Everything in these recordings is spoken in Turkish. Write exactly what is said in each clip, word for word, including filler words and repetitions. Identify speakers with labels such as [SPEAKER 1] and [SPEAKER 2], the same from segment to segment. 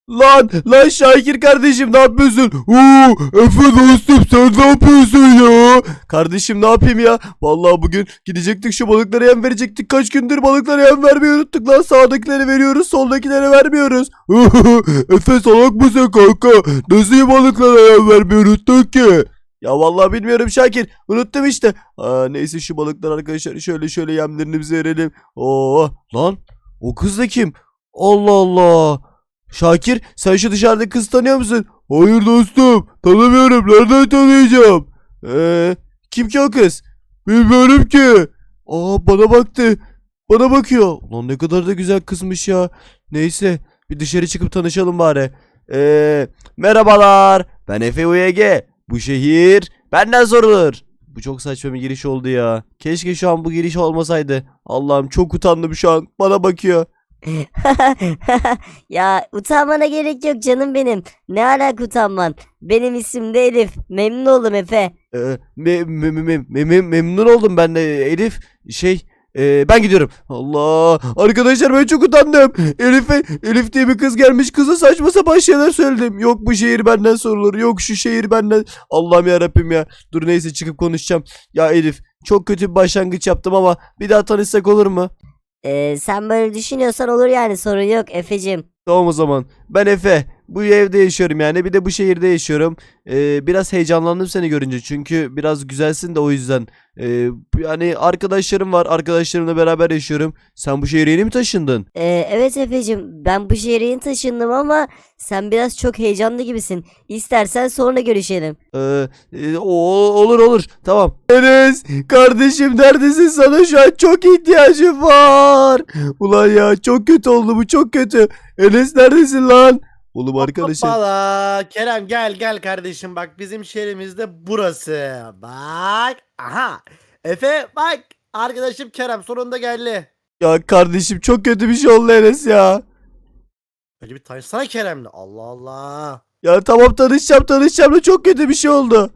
[SPEAKER 1] Lan lan Şakir kardeşim ne yapıyorsun? Oo, Efe dostum sen ne yapıyorsun ya? Kardeşim ne yapayım ya? Vallahi bugün gidecektik şu balıklara yem verecektik. Kaç gündür balıklara yem vermeyi unuttuk lan. Sağdakileri veriyoruz, soldakileri vermiyoruz. Efe salak mısın kanka? Nasıl balıklara yem vermeyi unuttuk ki? Ya vallahi bilmiyorum Şakir. Unuttum işte. Aa, neyse şu balıklar arkadaşlar şöyle şöyle yemlerini bize verelim. Oo lan o kız da kim? Allah Allah. Şakir sen şu dışarıdaki kızı tanıyor musun? Hayır dostum tanımıyorum, nereden tanıyacağım? Eee kim ki o kız? Bilmiyorum ki. Aa bana baktı. Bana bakıyor. Ulan ne kadar da güzel kızmış ya. Neyse bir dışarı çıkıp tanışalım bari. Eee merhabalar ben Efe U Y G. Bu şehir benden sorulur. Bu çok saçma bir giriş oldu ya. Keşke şu an bu giriş olmasaydı. Allah'ım çok utandım şu an. Bana bakıyor.
[SPEAKER 2] Ya utanmana gerek yok canım benim. Ne alaka utanman? Benim isim de Elif. Memnun oldum Efe.
[SPEAKER 1] Ee, me- me- me- me- me- memnun oldum ben de Elif. Şey e, ben gidiyorum. Allah arkadaşlar ben çok utandım. Elif'e Elif diye bir kız gelmiş, kıza saçma sapan şeyler söyledim. Yok bu şehir benden sorulur. Yok şu şehir benden. Allah'ım ya Rabbim ya. Dur neyse çıkıp konuşacağım. Ya Elif çok kötü bir başlangıç yaptım ama bir daha tanışsak olur mu?
[SPEAKER 2] Ee, sen böyle düşünüyorsan olur yani, sorun yok Efe'cim.
[SPEAKER 1] Tamam o zaman. Ben Efe. Bu evde yaşıyorum yani. Bir de bu şehirde yaşıyorum. Ee, biraz heyecanlandım seni görünce. Çünkü biraz güzelsin de o yüzden. Ee, yani arkadaşlarım var. Arkadaşlarımla beraber yaşıyorum. Sen bu şehre yeni mi taşındın?
[SPEAKER 2] Ee, evet Efe'cim, ben bu şehre yeni taşındım ama sen biraz çok heyecanlı gibisin. İstersen sonra görüşelim.
[SPEAKER 1] Ee, e, o, olur olur. Tamam. Enes kardeşim neredesin? Sana şu an çok ihtiyacım var. Ulan ya çok kötü oldu bu, çok kötü. Enes neredesin lan? Oğlum arkadaşım.
[SPEAKER 3] Hoppala. Kerem gel gel kardeşim, bak bizim şehrimizde burası. Bak. Aha. Efe bak. Arkadaşım Kerem sonunda geldi.
[SPEAKER 1] Ya kardeşim çok kötü bir şey oldu Enes ya.
[SPEAKER 3] Önce bir tanışsana Kerem'le. Allah Allah.
[SPEAKER 1] Ya tamam tanışacağım tanışacağım da çok kötü bir şey oldu.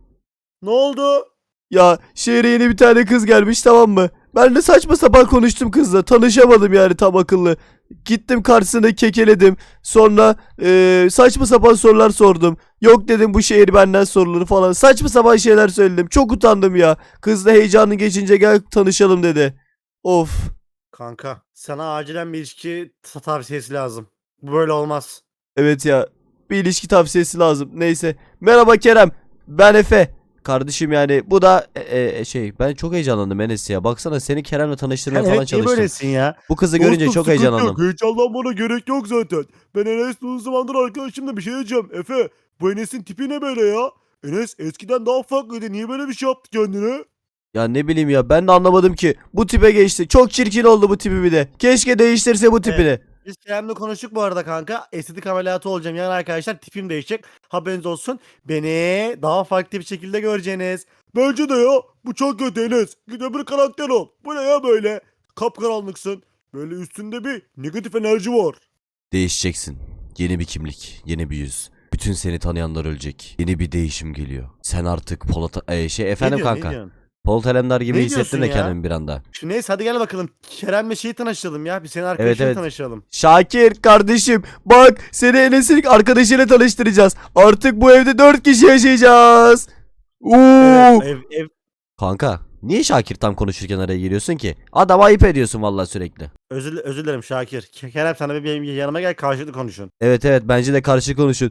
[SPEAKER 3] Ne oldu?
[SPEAKER 1] Ya şehre yeni bir tane kız gelmiş, tamam mı? Ben de saçma sapan konuştum kızla. Tanışamadım yani tam akıllı. Gittim karşısına kekeledim. Sonra eee, saçma sapan sorular sordum. Yok dedim bu şehir benden sorulur falan. Saçma sapan şeyler söyledim. Çok utandım ya. Kız da heyecanı geçince gel tanışalım dedi. Of.
[SPEAKER 3] Kanka sana acilen bir ilişki ta- tavsiyesi lazım. Bu böyle olmaz.
[SPEAKER 1] Evet ya. Bir ilişki tavsiyesi lazım. Neyse. Merhaba Kerem. Ben Efe. Kardeşim yani bu da e, e, şey ben çok heyecanlandım Enes ya. Baksana seni Kerem'le tanıştırmaya
[SPEAKER 3] Sen
[SPEAKER 1] falan
[SPEAKER 3] evet niye
[SPEAKER 1] çalıştım.
[SPEAKER 3] böylesin ya?
[SPEAKER 1] Bu kızı görünce
[SPEAKER 3] Dostum,
[SPEAKER 1] çok
[SPEAKER 3] sıkıntı
[SPEAKER 1] heyecanlandım.
[SPEAKER 3] Yok. Heyecanlanmana gerek yok zaten. Ben Enes uzun zamandır arkadaşım da bir şey diyeceğim. Efe bu Enes'in tipi ne böyle ya? Enes eskiden daha farklıydı. Niye böyle bir şey yaptı kendine?
[SPEAKER 1] Ya ne bileyim ya ben de anlamadım ki. Bu tipe geçti. Çok çirkin oldu bu tipi bir de. Keşke değiştirse bu tipini.
[SPEAKER 3] Biz Kerem'le konuştuk bu arada kanka. Estetik ameliyatı olacağım. Yani arkadaşlar tipim değişecek. Haberiniz olsun. Beni daha farklı bir şekilde göreceğiniz. Bence de ya. Bu çok kötü Enes. Git öbür karakter ol. Bu ne ya böyle? Kapkaranlıksın. Böyle üstünde bir negatif enerji var.
[SPEAKER 1] Değişeceksin. Yeni bir kimlik, yeni bir yüz. Bütün seni tanıyanlar ölecek. Yeni bir değişim geliyor. Sen artık Polat e, şey efendim
[SPEAKER 3] Ne diyorsun, ne
[SPEAKER 1] kanka.
[SPEAKER 3] diyorsun?
[SPEAKER 1] Polat Alemdar gibi
[SPEAKER 3] Ne
[SPEAKER 1] hissettim
[SPEAKER 3] diyorsun
[SPEAKER 1] de
[SPEAKER 3] ya?
[SPEAKER 1] kendimi bir anda.
[SPEAKER 3] Şu neyse hadi gel bakalım. Kerem'le şeyi tanışalım ya. Bir senin arkadaşınla
[SPEAKER 1] evet.
[SPEAKER 3] tanışalım.
[SPEAKER 1] Şakir kardeşim bak seni Enes'in arkadaşıyla tanıştıracağız. Artık bu evde dört kişi yaşayacağız. Oo.
[SPEAKER 3] Evet, ev, ev,
[SPEAKER 1] Kanka niye Şakir tam konuşurken araya giriyorsun ki? Adam ayıp ediyorsun vallahi sürekli.
[SPEAKER 3] özür, özür dilerim Şakir. Ke- Kerem sana bir benim yanıma gel, karşılıklı konuşun.
[SPEAKER 1] Evet evet bence de karşı konuşun.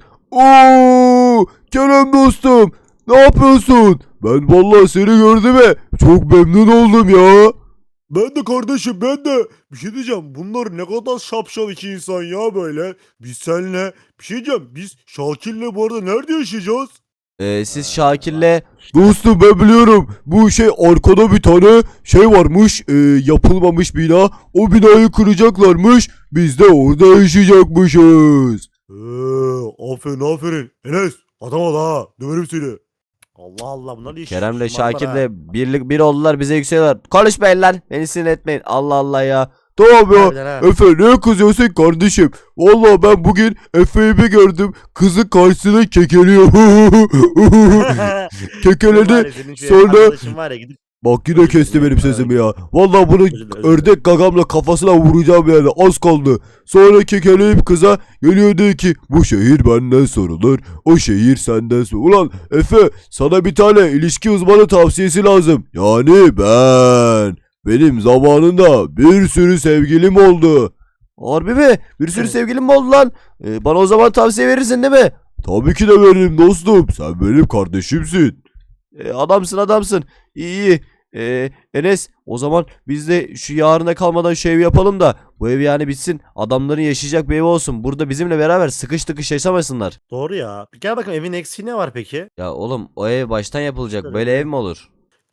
[SPEAKER 1] Oo, Kerem dostum ne yapıyorsun? Ben vallahi seni gördüm ve çok memnun oldum ya.
[SPEAKER 3] Ben de kardeşim, ben de. Bir şey diyeceğim. Bunlar ne kadar şapşal iki insan ya böyle. Biz seninle. Bir şey diyeceğim. Biz Şakir'le bu arada nerede yaşayacağız?
[SPEAKER 1] Ee, siz Şakir'le dostum ben biliyorum bu şey arkada bir tane şey varmış e, yapılmamış bina, o binayı kıracaklarmış, biz de orada yaşayacakmışız.
[SPEAKER 3] Eee aferin aferin. Enes adam ol ha. Döverim seni. Allah Allah, bunlar iş.
[SPEAKER 1] Kerem'le
[SPEAKER 3] şımarıklar
[SPEAKER 1] Şakir'le
[SPEAKER 3] ha.
[SPEAKER 1] birlik bir oldular, bize yükseliyorlar. Konuşmayın lan, beni sinir etmeyin, Allah Allah ya. Tamam ya
[SPEAKER 3] Harbiden ha.
[SPEAKER 1] Efe ne kızıyorsun kardeşim? Vallahi ben bugün Efe'yi bir gördüm, kızı karşısına kekeliyor.
[SPEAKER 3] Senin var
[SPEAKER 1] Kekeledi
[SPEAKER 3] ya, senin şu
[SPEAKER 1] sonra
[SPEAKER 3] arkadaşın var ya, gidip
[SPEAKER 1] Bak yine kesti benim sesimi ya. Vallahi bunu
[SPEAKER 3] Özür dilerim, özür
[SPEAKER 1] ördek gagamla kafasına vuracağım yani. Az kaldı. Sonra kekeleyip kıza geliyor diyor ki bu şehir benden sorulur. O şehir senden sorulur. Ulan Efe sana bir tane ilişki uzmanı tavsiyesi lazım. Yani ben. Benim zamanında bir sürü sevgilim oldu. Harbi mi? Bir sürü
[SPEAKER 3] Evet.
[SPEAKER 1] sevgilim mi oldu lan? Ee, bana o zaman tavsiye verirsin değil mi? Tabii ki de veririm dostum. Sen benim kardeşimsin. Ee, adamsın adamsın. İyi iyi. Ee, Enes o zaman biz de şu yarına kalmadan şu evi yapalım da bu ev yani bitsin. Adamların yaşayacak bir ev olsun. Burada bizimle beraber sıkış tıkış yaşamasınlar.
[SPEAKER 3] Doğru ya. Bir gel bakalım evin eksiği ne var peki?
[SPEAKER 1] Ya oğlum o ev baştan yapılacak.
[SPEAKER 3] Şöyle
[SPEAKER 1] Böyle
[SPEAKER 3] bir-
[SPEAKER 1] ev mi olur?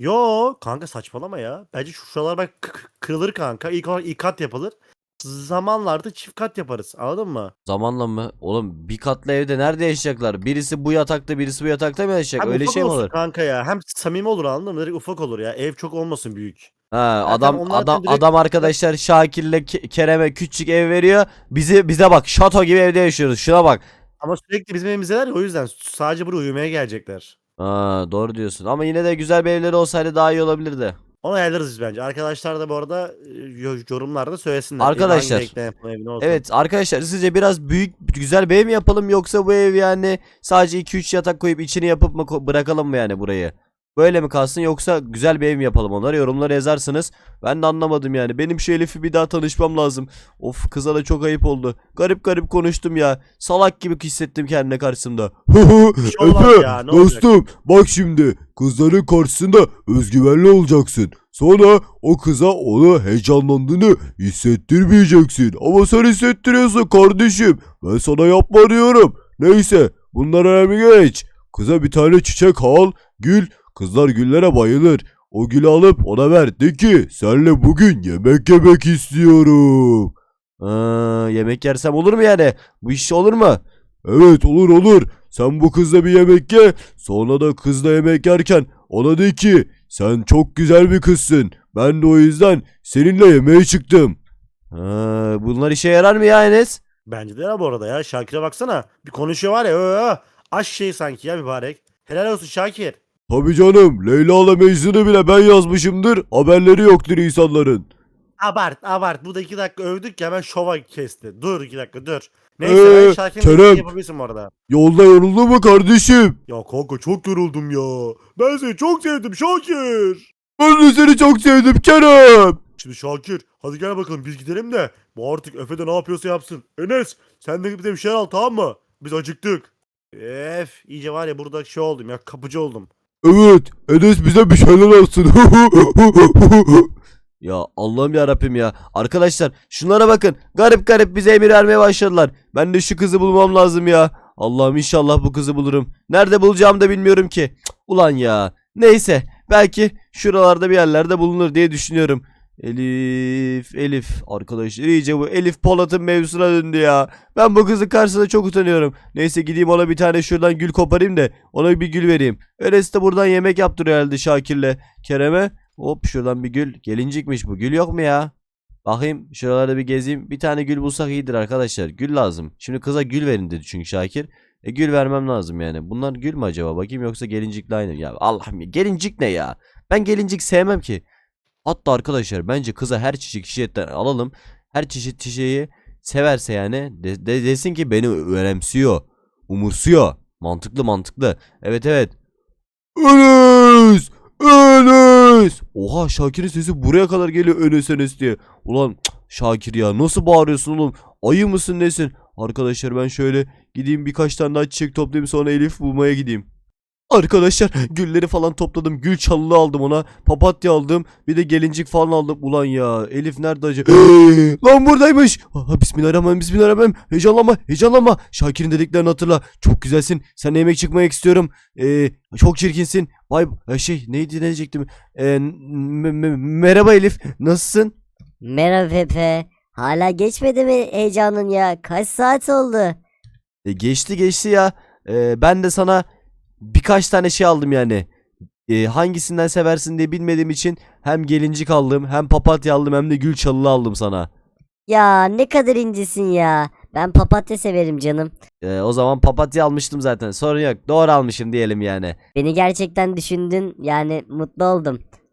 [SPEAKER 3] Yo kanka saçmalama ya. Bence şu şuralar bak k- k- kırılır kanka. İlk olarak ilk kat yapılır. Zamanlarda çift kat yaparız. Anladın mı?
[SPEAKER 1] Zamanla mı? Oğlum bir katlı evde nerede yaşayacaklar? Birisi bu yatakta birisi bu yatakta mı yaşayacak?
[SPEAKER 3] Hem
[SPEAKER 1] Öyle
[SPEAKER 3] ufak
[SPEAKER 1] şey mi
[SPEAKER 3] olsun
[SPEAKER 1] olur?
[SPEAKER 3] kanka ya. Hem samimi olur anladın mı? Direkt ufak olur ya. Ev çok olmasın büyük.
[SPEAKER 1] Ha,
[SPEAKER 3] Zaten
[SPEAKER 1] adam
[SPEAKER 3] onlar
[SPEAKER 1] adam
[SPEAKER 3] direkt-
[SPEAKER 1] adam arkadaşlar Şakir'le Ke- Kerem'e küçük ev veriyor. Bizi bize bak şato gibi evde yaşıyoruz. Şuna bak.
[SPEAKER 3] Ama sürekli bizim evimizdeler ya o yüzden sadece buraya uyumaya gelecekler.
[SPEAKER 1] Ha, doğru diyorsun. Ama yine de güzel bir evleri olsaydı daha iyi olabilirdi.
[SPEAKER 3] Onu ayarlarız biz bence. Arkadaşlar da bu arada e, yo- yorumlarda söylesinler.
[SPEAKER 1] Arkadaşlar,
[SPEAKER 3] Hangi renkte yapın evi ne olsun.
[SPEAKER 1] Evet arkadaşlar sizce biraz büyük güzel bir ev mi yapalım yoksa bu ev yani sadece iki üç yatak koyup içini yapıp mı ko- bırakalım mı yani burayı? Böyle mi kalsın yoksa güzel bir ev mi yapalım, onları yorumlara yazarsınız. Ben de anlamadım yani. Benim şu Elif'i bir daha tanışmam lazım. Of, kıza da çok ayıp oldu. Garip garip konuştum ya. Salak gibi hissettim kendine karşısında.
[SPEAKER 3] Bir şey olmaz
[SPEAKER 1] Efe
[SPEAKER 3] ya, ne olacak?
[SPEAKER 1] dostum bak şimdi kızların karşısında özgüvenli olacaksın. Sonra o kıza onu heyecanlandığını hissettirmeyeceksin. Ama sen hissettiriyorsun kardeşim. Ben sana yapma diyorum. Neyse bunlar önemli geç. Kıza bir tane çiçek al, gül. Kızlar güllere bayılır. O gülü alıp ona ver. De ki senle bugün yemek yemek istiyorum. Aa, yemek yersem olur mu yani? Bu iş olur mu? Evet olur olur. Sen bu kızla bir yemek ye. Sonra da kızla yemek yerken ona de ki sen çok güzel bir kızsın. Ben de o yüzden seninle yemeğe çıktım. Ha, bunlar işe yarar mı ya Enes?
[SPEAKER 3] Bence de ya bu arada ya. Şakir'e baksana. Bir konuşuyor var ya. Öö, aş şey sanki ya mübarek. Helal olsun Şakir.
[SPEAKER 1] Tabii canım. Leyla'la Mecnun'u bile ben yazmışımdır. Haberleri yoktur insanların.
[SPEAKER 3] Abart abart. Bu da iki dakika övdük ya hemen şova kesti. Dur iki dakika dur. Neyse
[SPEAKER 1] Ee,
[SPEAKER 3] ben Şakir'in
[SPEAKER 1] Kerem.
[SPEAKER 3] dediğini yapabilirsin bu arada.
[SPEAKER 1] Yolda yoruldun mu kardeşim?
[SPEAKER 3] Ya kanka çok yoruldum ya. Ben seni çok sevdim Şakir.
[SPEAKER 1] Ben de seni çok sevdim Kerem.
[SPEAKER 3] Şimdi Şakir hadi gel bakalım biz gidelim de. Bu artık Efe de ne yapıyorsa yapsın. Enes sen de bize bir şeyler al tamam mı? Biz acıktık. Ef iyice var ya burada şey oldum ya kapıcı oldum.
[SPEAKER 1] Evet, Enes bize bir şeyler alsın. Ya Allah'ım ya Rabbim ya. Arkadaşlar şunlara bakın. Garip garip bize emir vermeye başladılar. Ben de şu kızı bulmam lazım ya. Allah'ım inşallah bu kızı bulurum. Nerede bulacağımı da bilmiyorum ki. Cık, ulan ya. Neyse. Belki şuralarda bir yerlerde bulunur diye düşünüyorum. Elif, Elif. Arkadaşlar iyice bu Elif Polat'ın mevzusuna döndü ya. Ben bu kızın karşısında çok utanıyorum. Neyse gideyim ona bir tane şuradan gül koparayım da ona bir gül vereyim. Öylesi de buradan yemek yaptırıyor herhalde Şakir'le Kerem'e. Hop şuradan bir gül. Gelincikmiş bu. Gül yok mu ya? Bakayım şuralarda bir gezeyim. Bir tane gül bulsak iyidir arkadaşlar. Gül lazım. Şimdi kıza gül verin dedi çünkü Şakir. E gül vermem lazım yani. Bunlar gül mü acaba? Bakayım yoksa gelincikle aynı. Ya Allah'ım ya. Gelincik ne ya? Ben gelincik sevmem ki. Hatta arkadaşlar bence kıza her çeşit çiçekten alalım. Her çeşit çiçeği severse yani de, de- desin ki beni önemsiyor. Umursuyor. Mantıklı mantıklı. Evet evet. Enes! Enes! Oha Şakir'in sesi buraya kadar geliyor Enes Enes diye. Ulan cık, Şakir ya nasıl bağırıyorsun oğlum? Ayı mısın nesin? Arkadaşlar ben şöyle gideyim birkaç tane daha çiçek toplayayım sonra Elif bulmaya gideyim. Arkadaşlar gülleri falan topladım. Gül çalılı aldım ona. Papatya aldım. Bir de gelincik falan aldım. Ulan ya Elif nerede acaba? Lan buradaymış. Aha, bismillahirrahmanirrahim. Bismillahirrahmanirrahim. Heyecanlanma. Heyecanlanma. Şakir'in dediklerini hatırla. Çok güzelsin. Seninle yemek çıkmak istiyorum. Ee, çok çirkinsin. Vay e, şey neydi ne diyecektim? Ee, m- m- merhaba Elif. Nasılsın?
[SPEAKER 2] Merhaba Pepe. Hala geçmedi mi heyecanın ya? Kaç saat oldu?
[SPEAKER 1] E, geçti geçti ya. E, ben de sana birkaç tane şey aldım yani. E, hangisinden seversin diye bilmediğim için hem gelincik aldım hem papatya aldım hem de gül çalılı aldım sana.
[SPEAKER 2] Ya ne kadar incisin ya. Ben papatya severim canım.
[SPEAKER 1] E, o zaman papatya almıştım zaten, sorun yok, doğru almışım diyelim yani.
[SPEAKER 2] Beni gerçekten düşündün yani mutlu oldum.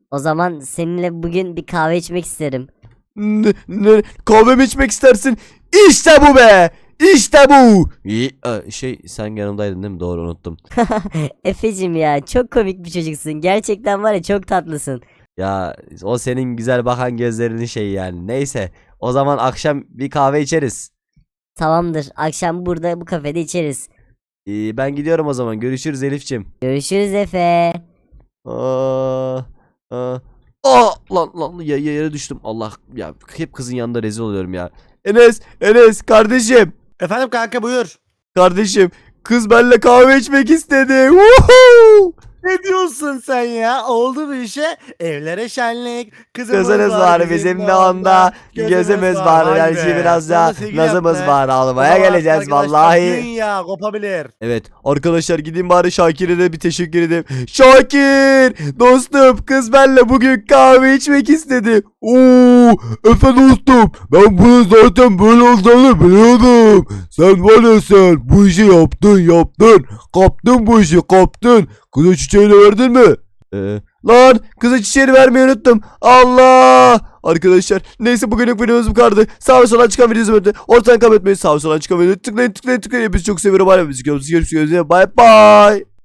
[SPEAKER 2] O zaman seninle bugün bir kahve içmek isterim.
[SPEAKER 1] Ne, ne, kahve mi içmek istersin? İşte bu be. İşte bu. İyi, e, şey sen yanımdaydın değil mi? Doğru unuttum.
[SPEAKER 2] Efecim ya çok komik bir çocuksun. Gerçekten var ya çok tatlısın.
[SPEAKER 1] Ya o senin güzel bakan gözlerinin şeyi yani. Neyse. O zaman akşam bir kahve içeriz.
[SPEAKER 2] Tamamdır. Akşam burada bu kafede içeriz.
[SPEAKER 1] Ee, ben gidiyorum o zaman. Görüşürüz Elifçim.
[SPEAKER 2] Görüşürüz Efe.
[SPEAKER 1] Aa, aa. Aa, lan lan ya, ya- yere düştüm. Allah ya hep kızın yanında rezil oluyorum ya. Enes, Enes kardeşim.
[SPEAKER 3] Efendim kanka buyur.
[SPEAKER 1] Kardeşim kız benimle kahve içmek istedi. Woohoo!
[SPEAKER 3] Ne diyorsun sen ya? Oldu bir işe. Evlere şenlik. Kızımız,
[SPEAKER 1] Kızınız var bizim de onda. Gözümüz var.
[SPEAKER 3] Vay
[SPEAKER 1] Yani
[SPEAKER 3] be.
[SPEAKER 1] biraz
[SPEAKER 3] Sana
[SPEAKER 1] da
[SPEAKER 3] sevgili
[SPEAKER 1] nazımız
[SPEAKER 3] yapma.
[SPEAKER 1] var.
[SPEAKER 3] O
[SPEAKER 1] Almaya
[SPEAKER 3] zaman
[SPEAKER 1] geleceğiz
[SPEAKER 3] arkadaşlar
[SPEAKER 1] vallahi.
[SPEAKER 3] dünya kopabilir.
[SPEAKER 1] Evet arkadaşlar gideyim bari Şakir'e de bir teşekkür edeyim. Şakir dostum kız benimle bugün kahve içmek istedi. Oo Efe dostum ben bunu zaten böyle olacağını biliyordum. Sen var ya sen bu işi yaptın yaptın. Kaptın bu işi kaptın. Kıza çiçeğini verdin mi? Ee, lan kıza çiçeğini vermeyi unuttum. Allah. Arkadaşlar neyse bugünlük videomuz bu kadardı. Sağ ve sola çıkan videoyu izlemeyi ortadan kaybetmeyin. Sağ ve sola çıkan videoyu tıklayın tıklayın tıklayın. Hepinizi çok seviyorum. Hadi biz görüşürüz. Bay bay.